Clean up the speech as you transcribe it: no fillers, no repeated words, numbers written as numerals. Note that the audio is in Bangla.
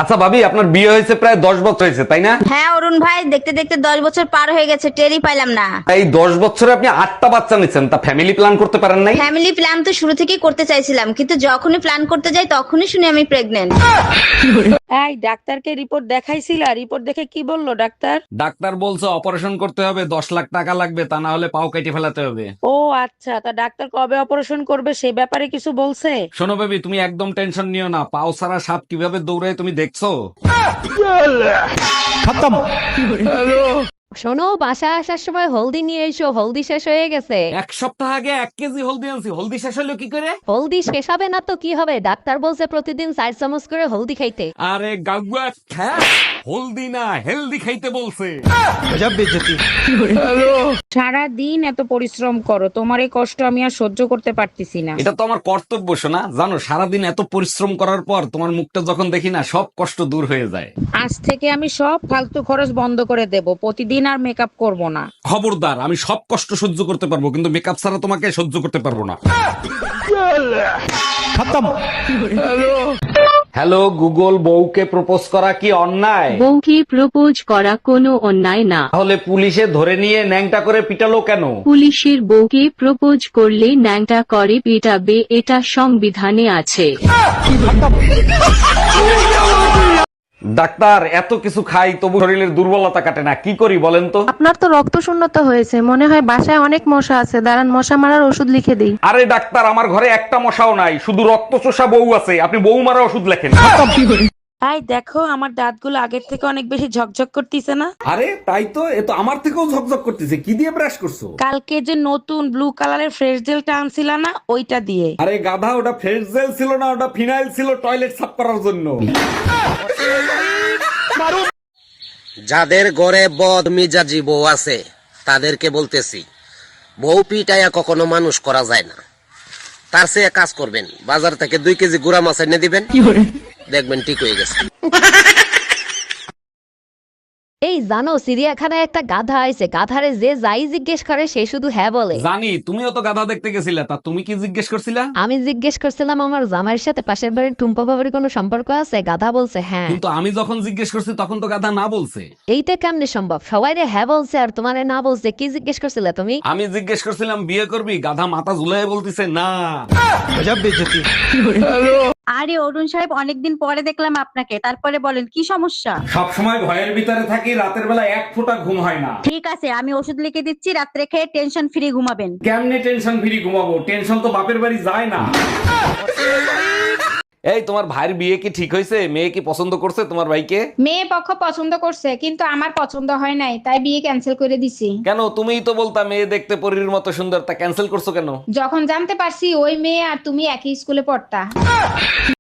আচ্ছা ভাবি, আপনার বিয়ে হয়েছে প্রায় 10 বছর হয়েছে, তাই না? হ্যাঁ অরুণ ভাই, দেখতে দেখতে 10 বছর পার হয়ে গেছে, টেরই পাইলাম না। এই 10 বছরে আপনি 8টা বাচ্চা নিচ্ছেন, তা ফ্যামিলি প্ল্যান করতে পারেন নাই? ফ্যামিলি প্ল্যান তো শুরু থেকেই করতে চাইছিলাম, কিন্তু যখনই প্ল্যান করতে যাই তখনই শুনি আমি প্রেগনেন্ট। এই ডাক্তারকে রিপোর্ট দেখাইছিলা? রিপোর্ট দেখে কি বললো ডাক্তার? ডাক্তার বলছে অপারেশন করতে হবে, 10 লাখ টাকা লাগবে, তা না হলে পাও কেটে ফেলাতে হবে। ও আচ্ছা, তা ডাক্তার কবে অপারেশন করবে সে ব্যাপারে কিছু বলছে? শোনো বেবি, তুমি একদম টেনশন নিও না। পাও ছাড়া সাপ কিভাবে দৌড়ায় তুমি দেখছো? শোনো, বাসায় আসার সময় হলদি নিয়ে এসো, হলদি শেষ হয়ে গেছে। 1 সপ্তাহ আগে 1 কেজি হলদি আনছি, হলদি শেষ হলো কি করে? হলদি শেষ হবে না তো কি হবে? ডাক্তার বলছে প্রতিদিন 4 চামচ করে হলদি খাইতে। আরে গাগুয়া খ্যাত, হলদি না হেলদি খাইতে বলছে। সারা দিন এত পরিশ্রম করো, তোমার এই কষ্ট আমি আর সহ্য করতে পারতেছি না। এটা তো আমার কর্তব্য শোনা। জানো, সারাদিন এত পরিশ্রম করার পর তোমার মুখটা যখন দেখি না, সব কষ্ট দূর হয়ে যায়। আজ থেকে আমি সব ফালতু খরচ বন্ধ করে দেব, প্রতিদিন আর মেকআপ করব না। খবরদার, আমি সব কষ্ট সহ্য করতে পারবো, কিন্তু মেকআপ ছাড়া তোমাকে সহ্য করতে পারবো না। হ্যালো গুগল, বউকে প্রপোজ করা কি অন্যায়? বউকে প্রপোজ করা কোনো অন্যায় না। তাহলে পুলিশে ধরে নিয়ে ন্যাংটা করে পিটালো কেন? পুলিশের বউকে প্রপোজ করলে ন্যাংটা করে পেটাবে, এটা সংবিধানে আছে। ডাক্তার, এত কিছু খাই তবু শরীরের দুর্বলতা কাটে না, কি করি বলেন তো? আপনার তো রক্ত শূন্যতা হয়েছে, মনে হয় বাসায় অনেক মশা আছে, দাঁড়ান মশা মারার ওষুধ লিখে দিই। আরে ডাক্তার, আমার ঘরে একটা মশাও নাই, শুধু রক্ত চোষা বউ আছে, আপনি বউ মারা ওষুধ লেখেন। এই দেখো, আমার দাঁতগুলো আগের থেকে অনেক বেশি ঝকঝক করতেছে না? আরে তাই তো, এ তো আমার থেকেও ঝকঝক করতেছে। কি দিয়ে ব্রাশ করছো? কালকে যে নতুন ব্লু কালারের ফ্রেশ জেলটা আনছিলা না, ওইটা দিয়ে। আরে গাধা, ওটা ফ্রেশ জেল ছিল না, ওটা ফিনাইল ছিল টয়লেট সাফ করার জন্য। যাদের ঘরে বদ মিজাজি বউ আছে তাদেরকে বলতেছি, বউ পিটাইয়া কখনো মানুষ করা যায় না। তার চেয়ে কাজ করবেন, বাজার থেকে 2 কেজি গুড়া মাছ এনে দিবেন, দেখবেন ঠিক হয়ে গেছে। এই জানো, চিড়িয়াখানায় একটা গাধা আইছে, গাধারে যে যাই জিজ্ঞেস করে সে শুধু হ্যাঁ বলে। জানি, তুমিও তো গাধা দেখতে গেছিলা, তা তুমি কি জিজ্ঞেস করছিলা? আমি জিজ্ঞেস করছিলাম আমার জামাইয়ের সাথে পাশের বাড়ির টুম্পা বাবার কোনো সম্পর্ক আছে? গাধা বলছে হ্যাঁ। কিন্তু আমি যখন জিজ্ঞেস করছি তখন তো গাধা না বলছে। এইটা কেমনে সম্ভব? সবাই রে হ্যাঁ বলছে আর তোমারে না বলছে। কি জিজ্ঞেস করছিলে তুমি? আমি জিজ্ঞেস করছিলাম বিয়ে করবি, গাধা মাথা ঝুলাই বলতিছে না। আরে অরুণ সাহেব, অনেকদিন পরে দেখলাম আপনাকে, তারপরে বলেন কি সমস্যা? সব সময় ভয়ের ভিতরে থাকি, রাতের বেলা এক ফোঁটা ঘুম হয় না। ঠিক আছে, আমি ওষুধ লিখে দিচ্ছি, রাত্রে খেয়ে টেনশন ফ্রি ঘুমাবেন। কেমনে টেনশন ফ্রি ঘুমাবো? টেনশন তো বাপের বাড়ি যায় না। এই, তোমার ভাইয়ের বিয়ে কি ঠিক হয়েছে? মেয়ে কি পছন্দ করছে তোমার ভাইকে? মেয়ে পক্ষ পছন্দ করছে, কিন্তু আমার পছন্দ হয় নাই, তাই বিয়ে ক্যান্সেল করে দিছি। কেন? তুমিই তো বলতা মেয়ে দেখতে পরীর মতো সুন্দর, তা ক্যান্সেল করছো কেন? যখন জানতে পারছি ওই মেয়ে আর তুমি একই স্কুলে পড়তা।